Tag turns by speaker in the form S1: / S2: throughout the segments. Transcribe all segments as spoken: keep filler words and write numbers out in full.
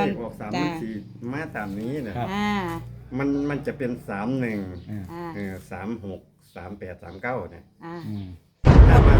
S1: อน
S2: ออกสาม
S1: จ้า
S2: มันสี่มาตามนี้นะครับ
S1: อ่า
S2: มันมันจะเป็นสามหนึ่ง
S3: อ่า
S1: อ่า
S2: เออสามหกสามแปดสามเก้าเนี่ย
S1: อ่า
S3: อืม
S2: ถ้ามา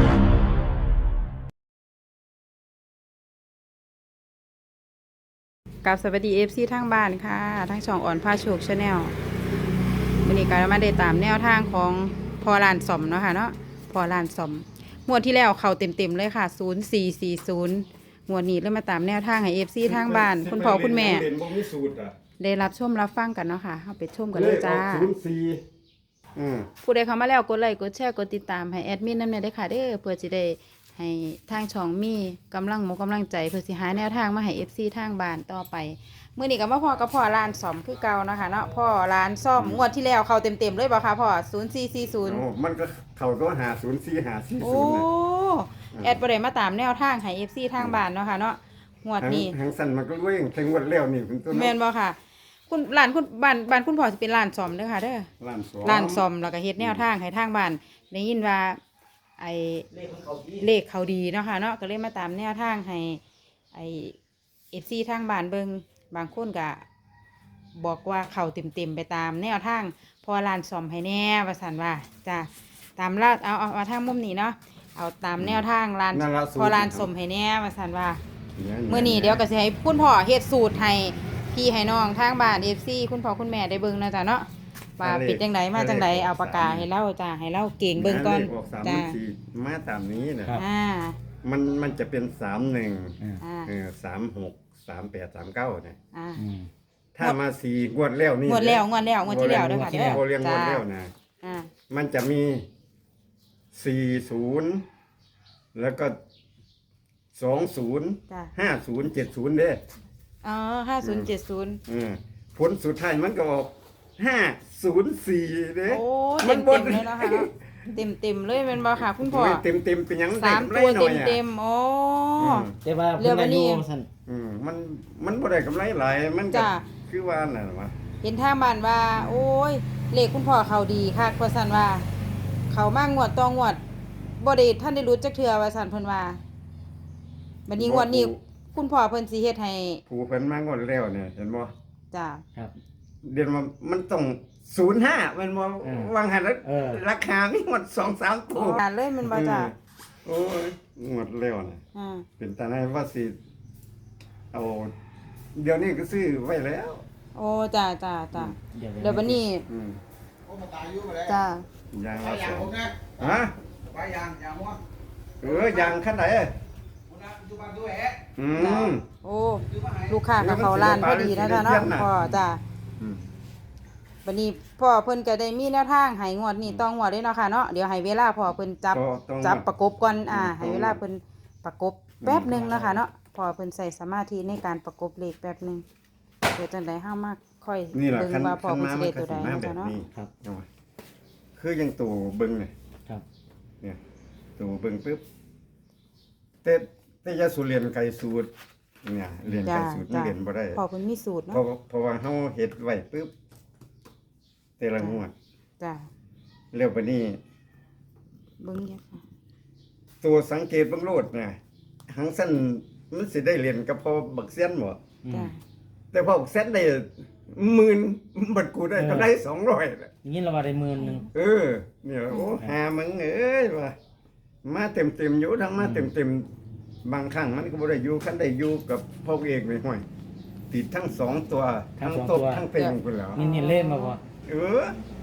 S1: กับสวัสดีเอฟซีทางบ้านค่ะทางช่องอ่อนผ้าโชคชาแนลวันนี้ก็มาได้ตามแนวทางของพอลานสมเนาะค่ะเนาะพอลานสมงวดที่แล้วเขาเต็มๆเลยค่ะศูนย์สี่สี่ศูนย์งวดนี้เลยมาตามแนวทางให้เอฟซีทางบ้านคุณพ่อคุณแม่
S2: เรียนบ่มีสูตรอ่ะ
S1: ได้รับชมรับฟังกันเนาะค่ะเอาไปชมกันเลยจ้า
S2: ศูนย์สี่อืม
S1: ผู้ใดเข้ามาแล้วกดไลค์กดแชร์กดติดตามให้แอดมินนั่นแหละได้อค่ะเด้อเพื่อจะได้ให้ทางช่องมีกำลังหมกำลังใจเพื่อสิหาแนวทางมาให้ เอฟ ซี ทางบ้านต่อไปมื้อนี้ก็มาพ่อกับพ่อร้านซ่อมคือเก่าเนาะค่ะเนาะพ่อร้านซ่อมงวดที่แล้วเข้าเต็มๆเลยบ่คะพ่อศูนย์สี่สี่ศูนย์
S2: โอ้มันก็เขาก็หาศูนย์สี่หาสี่
S1: โอ้
S2: ศูนย์นะ
S1: แอดบ่ได้มาตามแนวทางให้ เอฟ ซี ทางบ้านเนาะค่ะเนาะงวดนี้
S2: ทางสั้นมันก็เว้ยถึงวันแล้วนี่คุณต้น
S1: แม่นบ่ค่ะ คุณร้านคุณบ้านบ้านคุณพ่อสิเป็นร้านซ่อมเด้อค่ะเด้อ
S2: ร้านสอง
S1: ร้านซ่อมแล้วก็เฮ็ดแนวทางให้ทางบ้านได้ยินว่าไอ้เลขเขาดีเนาะค่ะเนาะก็เลยมาตามแนวทางให้ไอ้ เอฟ ซี ทางบ้านเบิ่งบางคนก็บอกว่าเขาเต็มๆไปตามแนวทางพอร้านซ่อมให้แน่ว่าซั่นว่าจ้ะตามลาดเอาเอาเอาทางมุมนี้เนาะเอาตามแนวทางร้าน
S2: นั่นละสูต
S1: พอร้านซ่อมให้แน่ว่าซั่นว่า
S2: เนี่ย
S1: มื้อนี้เดี๋ยวก็สิให้คุณพ่อเฮ็ดสูตรให้พี่ให้น้องทางบ้าน เอฟ ซี คุณพ่อคุณแม่ได้เบิ่งนะจ๊ะเนาะว่าเป็นจังไดมาจังไดเอาปากกาให้เล่าจ้าให้เล่าเก่งเบิ่งก่อน
S2: เลขออกสาม
S1: จ้า
S2: มันสี่มาตามนี้นะครับ
S1: อ่า
S2: มันมันจะเป็นสามหนึ่ง
S3: อ่า
S1: อ่า
S2: เออสามหกสามแปดสามเก้าเนี่ย
S1: อ่า
S3: อืม
S2: ถ้ามาสี่งวดแล้วนี่
S1: งวดแล้วงวดแล้วงวดที่แล้วเด้อค่ะ
S2: ที่
S1: เด้อ
S2: โอเลี้ยงงวด
S1: จ้า
S2: แล้วนะ
S1: อ่า
S2: มันจะมีสี่ศูนย์แล้วก็สองศูนย์
S1: จ้า
S2: ห้าศูนย์เจ็ดศูนย์เด้
S1: อ๋อห้าศูนย์เจ็ดศูนย์
S2: เออผลสุดท้ายมันก็ออกห้าศูนย์สี่เด้
S1: โอ้
S2: มั
S1: เต็ม
S2: บ่
S1: เต็มเลยเนาะค่ะเนาะเต็มเต็มๆเลยแม่นบ่ค่ะ คุณพ่อ
S2: เต็มเต็มๆเป็นหยัง
S1: สาม
S2: ได้
S1: ตัว
S2: กำไรหน่
S1: เต็
S2: อย
S1: ม
S2: อะ
S1: เต็มๆโอ้
S2: อืม
S3: แต่ว่า
S1: เรือ
S3: เพิ่น
S1: บัด
S3: อา
S1: นี้
S3: ยุสั่น
S2: อืมมันมันบ่ได้กำไรหลายมันก็
S1: จ้า
S2: คือว่าน่ะวะ
S1: เห็นทางบ้านว่า โอ้ยเลขคุณพ่อเขาดีค่ะว่าซั่นว่า เขามางวดต่องวดบ่ได้ท่านได้รู้จักเทื่อว่าซั่นเพิ่นว่าบัดนี้งวดนี้คุณพ่อเพิ่นสิเฮ็ดให้
S2: ผู้เพิ่นมางวดแล้วเนี่ยเห็นบ่
S1: จ้า
S3: ครับ
S2: เดือนว่ามันต้องศูนย์ห้ามันบ่
S3: เออ
S2: วางหันแล้ว
S3: เออ
S2: ราคามีหมดสองสามตัว
S1: อ่านเลยแมันบ่จ้า
S2: เออโอ้ยงวดแล้วน่ะ
S1: อ่า
S2: เป็นตาไหนว่าสิเอาเดี๋ยวนี้ก็ซื้อไว้แล้ว
S1: โอ้จ้าจ้าจ้า
S3: เดี๋ยว
S1: เดี๋ยวบัดนี้
S2: อืม
S4: โอ้มาตายอยู่มาแล้ว
S1: จ้า
S2: ยาง
S4: ไป
S2: ละ
S4: อ
S2: ส
S4: ย่าง
S2: อง
S4: ผมนะ
S2: ฮะ
S4: ไปอย่างอย่างหัว
S2: เออยางคันไหน
S4: ผมนะอยู่บ้านด้วยแฮะ
S2: อืม
S1: โอ้
S4: อยู่บ้านไหน
S1: ลูกค้ากับเขาร้านพอดีนะจ้าเนาะพ่อจ้า
S2: อืม
S1: บัดนี้พ่อเพิ่นก็ได้มีแนวทางให้งวดนี้ต้องงวดเลยเนาะค่ะเนาะเดี๋ยวให้เวลาพ่อเพิ่นจับ
S2: ก็ต้อง
S1: จับประกบก่อนอ่าให้
S2: ต้อง
S1: เวลาเพิ่นประกบแป๊บหนึงเนาะคะเนาะพ่อเพิ่นใส่สมาธิในการประกบเลขแป๊บหนึงเดี๋ยวจังได๋เฮามาค่อย
S2: นี่แหละ
S1: เบิ่ง
S2: คัน
S1: ว่าพ่อ
S2: คัน
S1: เพิ่น
S2: มา
S1: สิ
S2: มั
S1: ได้
S2: นก็
S1: ตัวใด
S2: สิมาแบบ
S1: เนาะจ้ะเนาะ
S2: นี้
S3: ครับ
S2: เอาไว้คือยังตู่เบิ่งเนี่ย
S3: ครับ
S2: เนี่ยตู่เบิ่งปึ๊บแต่แต่อยาสูเรียนไกลสูตรเนี่ยเรียนไกล
S1: จ้า
S2: สูตรมัน
S1: จ้า
S2: เรียนบ่ได้
S1: พ่อเพิ่นมีสูตร
S2: เพ
S1: เนาะ
S2: ราะเพราะว่าเฮาเฮ็ดไว้ปึ๊บแต่ละงวด
S1: จ้า
S2: แล้วบัดนี้
S1: เบิ่งเนี่ยค่ะ
S2: ตัวสังเกตเบิ่งโลดน่ะหังสั้นมันสิได้เรียนกับพอบักเซียนบ่
S3: อืม
S1: จ้า
S2: แต่พอบักเซียนได้หมื่นบัดกูได้ก็ได้สองร้อยน่ะ
S3: อย่างนี้เราว่าได้หมื่นหนึง
S2: เออเนี่ยโอ้หามึงเอ้ยว่ามาเต็มๆอยู่ทั้งมาเต็มๆบางครั้งมันก็บ่ได้อยู่คันได้อยู่กับพ่อเอกนี่ห้อยติดทั้งสองตัวทั้งตบทั้งเป็นพุ่นแล้ว
S3: นี่นี่เล่นมาบ่
S2: เออ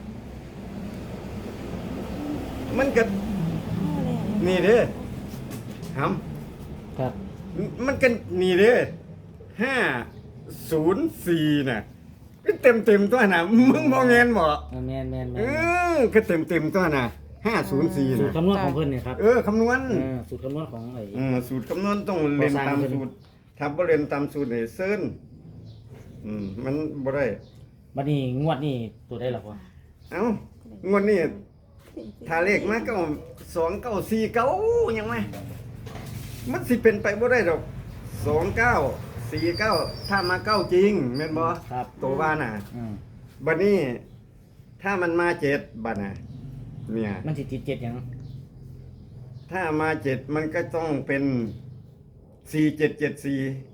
S2: มันก็นี่เด้หำ
S3: ครับ
S2: มันก็นี่เด้ห้าศูนย์สี่น่ะก็เต็มเต็มๆตัวน่ะ มึงมองเงินบ่
S3: เออแม่นแม่นแม่
S2: เอน อก็เต็มเต็มๆตัวน่ะห้าศูนย์สี่
S3: สูตร
S2: น่ะ
S3: คำนวณของเพิ่นเนี่ยครับ
S2: เออคำนวณ
S3: เออสูตรคำนวณของไอ้
S2: เออสูตรคำนวณต้องเรียน
S3: พอสร้าง
S2: ตาม
S3: ขึ้น
S2: สูตรถ้าบ่เรียนตามสูตรนี่เซินอืมมันบ่ได้
S3: บัดนี้งวดนี่ตัวได้หรอวะ
S2: เอ้างวดนี้ถ้าเลขมาก็สองเก้าสี่เก้ายังไงมันสิเป็นไปบ่ได้ดอกสองเก้าสี่เก้าถ้ามาเก้าจริงแม่นบ่
S3: ครับ
S2: ตัวว่าน่ะ
S3: อืม
S2: บัดนี้ถ้ามันมาเจ็ดบัดน่ะเนี่ย
S3: มันสิติดเจ็ดหยัง
S2: ถ้ามาเจ็ดมันก็ต้องเป็นสี่เจ็ดเจ็ดสี่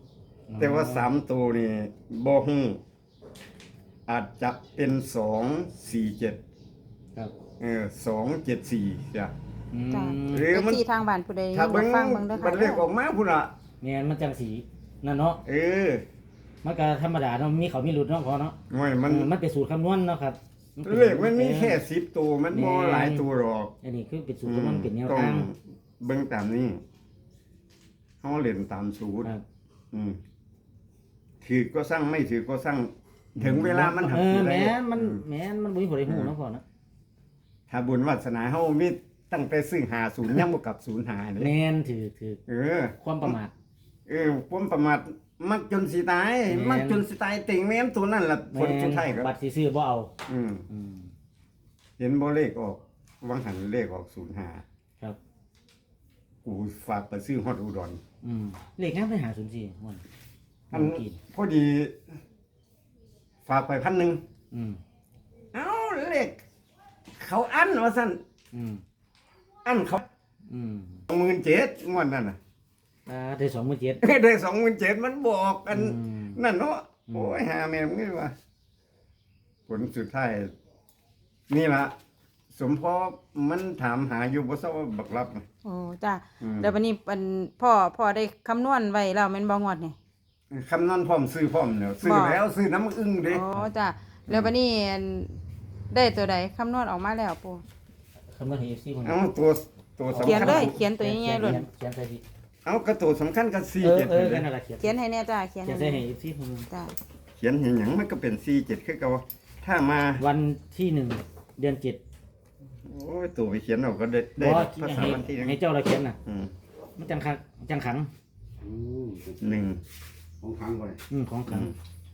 S2: แต่ว่าสามตัวนี่บ่ฮู้อาจจะเป็นสองสี่เจ็ด
S3: ครับ
S2: เออสองเจ็ดสี่จ้ะ
S3: อืม
S1: จ้ะ
S2: หรือมัน
S1: ที่ทางบ้านผู้ใด
S2: ถ้าเบิ่ง
S1: ฟังเบิ่งเด้อ
S2: มั
S1: ค่ะ
S2: นเลขออกมาพุ่นน่ะ
S3: แม่นมันจังสีนั่นเนาะ
S2: เออ
S3: มันก็ธรรมดาเนาะมีเขามีหลุดเนาะพอเนาะ
S2: โอ้ยมัน
S3: เออมันเป็นสูตรคำนวณเนาะครับป็
S2: เลขมันมีแค่สิบตัวมันบ่หลายตัวหรอก
S3: อันนี้คือเป็นสูตรคำนวณเป็นแนว
S2: ต้อง
S3: ทาง
S2: เบิ่งตามนี้เฮาเล่นตามสูตร
S3: ครับ
S2: อืมถือก็สร้างไม่ถือก็สร้างถึงเวลามันหัก
S3: เออ
S2: สิได้
S3: แม่นมัน
S2: อื
S3: แม่นมันบ่มีผลได้ฮู้เนาะพ่อเนาะ
S2: ถ้าบุญวาสนาเฮามีตั้งแต่ซื้อหาศูนย์ยังบ่กลับศูนย์หาเด้
S3: แม่นถือถือ
S2: เออ
S3: ความประมาท
S2: เออผมประมาทมักจนสิตาย
S3: แม่น
S2: มักจนสิตายติ่งแม่นตัวนั่นล่ะผลสุดท้ายก็
S3: บัตรสิซื้อบ่เอา
S2: อืม
S3: อืม
S2: เห็นบ่เลขออกวังหันเลขออกศูนย์ห้า
S3: ครับ
S2: กูฝากไปซื้อฮอดอุดร
S3: อืมเลขงามไปหาศูนย์สี่มัน
S2: อัน
S3: เมื่อกี้
S2: พอดีฝากไปพันหนึ่ง
S3: อืม
S2: เอ้าเลขเขาอันว่าซั่น
S3: อืม
S2: อันเขา
S3: อืม
S2: หมื่นเจ็ดงวดนั่นน่ะ
S3: อ่าได้สองหมื่นเจ็ด
S2: ได้สองหมื่นเจ็ดมันบอกกัน
S3: อืม
S2: นั่นเนาะ
S3: อืม
S2: โอ้ยหาแม่มึงนี่ว่าผลสุดท้าย นี่ละสมพอมันถามหาอยู่บ่ทราบว่าบักรับน่ะ
S1: โอ้จ้ะ
S2: อืม
S1: แล้ววันนี้เป็นพ่อพ่อได้คำนวณไว้แล้วแม่นบ่งวดนี่
S2: คำนอนพร้อมซื้อพร้อมแล้วซื้อ
S1: บอก
S2: แล้วซื้อน้ำอึ้งเด้
S1: อ๋อจ้ะแล้ววันนี้อันได้ตัวใดคำนวณออกมาแล้วปู่
S3: คำนวณให้ เอฟ ซี คน
S2: เอาตัวตัวสำ
S1: เขียน
S2: คัญ
S1: เลยเขียนตัวใหญ่ๆเลย
S3: เขียนใส่ที่
S2: เอากระตัวสำคัญกับสี่
S3: เออ
S2: เจ็ด
S3: เออ
S2: เล
S3: กั
S2: ย
S3: นนั่นแหละเขียน
S1: เขียนให้แน่จ้ะเขียน
S3: เขียน
S1: ให้
S3: ใส่
S1: แน่
S3: ให้ เอฟ ซี คน
S1: จ้ะ
S2: เขียนเห็นหยังมันก็เป็นสี่เจ็ดคือเก่าถ้ามา
S3: วันที่หนึ่งเดือนเจ็ด
S2: โอ้ยตัวไปเขียนเอาก็ได้ได้
S3: บ่
S2: ภาษา
S3: ให้
S2: วันที่หนึ่ง
S3: ให้เจ้าเราเขียนน่ะ
S2: อืม
S3: มันจังคักจังขัง
S4: อืม
S2: หนึ่ง
S4: ของทางก่อน
S3: อืมของขัง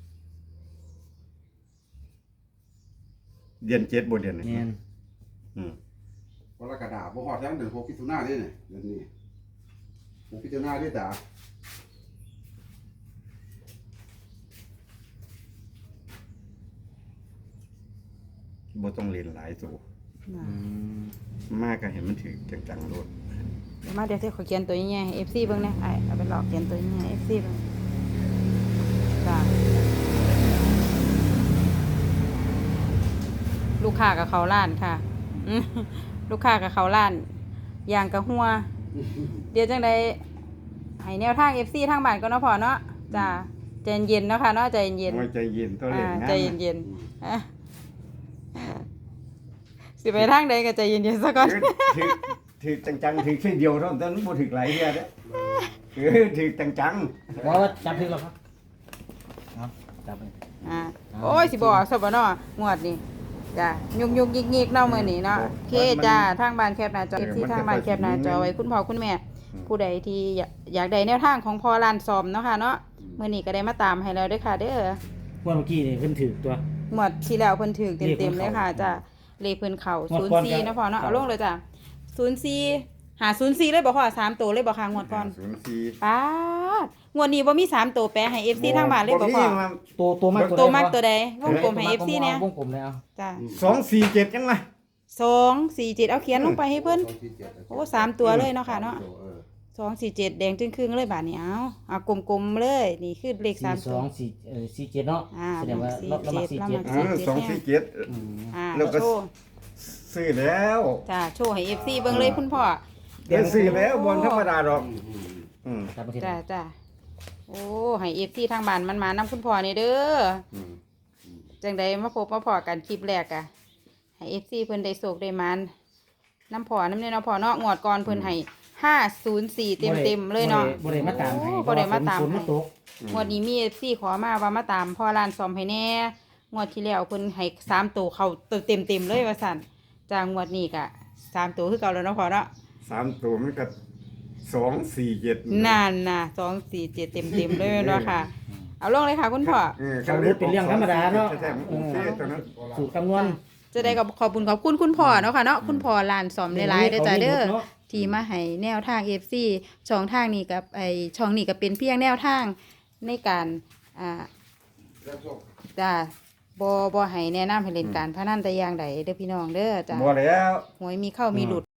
S2: เดือนเจ็ดบนเดือนหนึ่ง
S3: แม่น
S2: อืม
S4: กรกฎาคมบ่ฮอดทั้งเดือนหกมิถุนายนเด้เนี่ยเดือนนี้หกมิถุนายนเด้จ้ะ
S2: บ่ต้องเรียนหลายตัว
S1: น่ะ
S3: อืม
S2: มากก็เห็นมันถือจังๆโลด
S1: เดี๋ยวมาเดี๋ยวสิขอเขียนตัวใหญ่ๆให้ เอฟ ซี เบิ่งนะไอ้เอาไปหลอกเขียนตัวใหญ่ๆให้ เอฟ ซี เบิ่งจ้ะลูกค้ากับเขาล้านค่ะอืมลูกค้ากับเขาล้านอย่างกับหัว เดี๋ยวจังไดให้แนวทาง เอฟ ซี ทางบ้านก็เนาะพอเนาะจ้ะใจเย็นๆเนาะค่ะเนาะใจเย็น
S2: โอ้ยใจเย็นตัว
S1: ๆ
S2: เล่
S1: อ่าน
S2: งา
S1: ใจ
S2: น
S1: เย็นๆอ่ะสิไปทางใดก็ใจเย็นๆซะก่อน
S2: ถือถือจังๆถือแค่เดียวเท่านั้นบ่ถือหลายเทื่อเด้อเออถือจัง
S3: บอกว่าจับถึงแล้วครับเอาจับไป
S1: อ่าโอ้ยสิบอกสบเนาะงวดนี้จ้ะยุกยุกยิกยิกเนาะมื้อนี้เนาะโอเคจ้าทางบ้านแคบหน้าจอที่ทางบ้านแคบหน้าจอไว้คุณพ่อคุณแม่ ผู้ใดที่อยากอยากได้แนวทางของพ่อลานซอมเนาะค่ะเนาะมื้อนี้ก็ได้มาตามให้แล้วเด้อค่ะ เด้อ
S3: เมื่อกี้นี่เพิ่นถือตัว
S1: งวดที่แล้วเพิ่นถูก
S3: เลขเพิ่
S1: เต็
S3: น
S1: มๆเลยค่ะจ้ะเลขเพิ่นเข้าง
S3: วดก่อน
S1: ศูนย์สี่
S3: ก็
S1: เนาะพ่อเนาะ
S3: เข้า
S1: เอาลงเลยจ้ะศูนย์สี่หาศูนย์สี่เลยบ่พ่อสามตัวเลยบ่ค่ะงวดก่อน
S2: ศูนย์สี่
S1: ป๊าดงวดนี้บ่มีสามตัวแปลให้ เอฟ ซี ทางบ้านเลยบ่พ่อ
S2: มีมา
S3: ตัวตัวมาก
S1: ตัวมาก
S3: ใด
S1: ตัวใดวงกลมให้
S3: ตัว
S1: เอฟ ซี เนี่ย
S3: วงกลมเลยเอา
S1: จ้ะ
S2: สองสี่เจ็ดจังล่ะ
S1: สองสี่เจ็ดเอาเขียนลงไปให้เพิ่น
S4: สองสี่เจ็ด
S1: โอ้สามตัวเลยเนาะค่ะเนาะ
S4: เออ
S1: สองสี่เจ็ดแดงจึงครึ่งเลยบาดนี้เอาเอากลมๆเลยนี่คือเลข
S3: สี่
S1: สาม
S3: ส
S1: ตั
S3: อ
S1: ว
S3: งสี่เอ่อสี่เจ็ดเนาะ
S1: อ่า
S3: แสดงว่า
S1: สี่
S3: เราเรามา
S1: เจ็
S3: สี่
S1: ด
S3: เจ็ด
S1: เรามา
S2: เออสองสี่เจ็ด
S3: อืม
S1: อ่า
S2: แล้วก็
S1: โชว์
S2: ซื้อแล้ว
S1: จ้าโชว์ให้ เอฟ ซี เบิ่งเลยคุณพ่อ
S2: ได้ซื้อแล้วบนธรรมดาหรอก
S4: อืมอืม
S2: อืม
S3: ครับประเทศ
S1: จ้าจ้าโอ้ให้ เอฟ ซี ทางบ้านมันมานํคุณพ่อนี่เด้อ
S2: อืม
S1: จังไดมาพบมาพอกันคลิปแรกอะให้ เอฟ ซี เพิ่นได้โศกได้มันน้ำพ่อน้ำเนี่ยเนาะพ่อเนาะงวดก่อนเพิ่นให้ห้าศูนย์สี่เต็มๆเลยเนาะ
S3: บ่ได้มาตามให้
S1: โอ้บ่ได้มาตาม
S3: ฝน
S1: ให้
S3: นตก
S1: งวดนี้มี เอฟ ซี ขอมาว่ามาตามพ่อร้านซ่อมให้แน่งวดที่แล้วเพิ่นให้สามตัวเข้าเต็มๆเลยว่าซั่นจ้างวดนี้ก็สามตัวคือเก่าแล้วเนาะพ่อเนาะ
S2: สามตัวมันก็สองสี่เจ็ด
S1: นั่นน่ะสองสี่เจ็ดเต็มๆเลยเนาะค่ะ เอาลงเลยค่ะคุณพ่อ
S2: เออ
S3: เขารู้เป็นเรื่องธรรมดาเนาะ
S2: แท้ๆมันโอเคตอนนั้น
S3: สูตรคำนวณ
S1: จะได้กับขอบคุณขอบคุณคุณพ่อเนาะค่ะเนาะคุณพ่อลานสอมหลายๆเด้อจ้าเด้อ
S3: เนาะ
S1: ที่มาให้แนวทาง เอฟ ซี ช่องทางนี้กับไอช่องนี้ก็เป็นเพียงแนวทางในการอ่า
S4: แล้วก็
S1: จ้าบ่บ่ให้แนะนำให้เล่นการพนันแต่อย่างใดเด้อพี่น้องเด้อจ้า
S2: บ่แล้ว
S1: หวยมีเข้ามีหลุด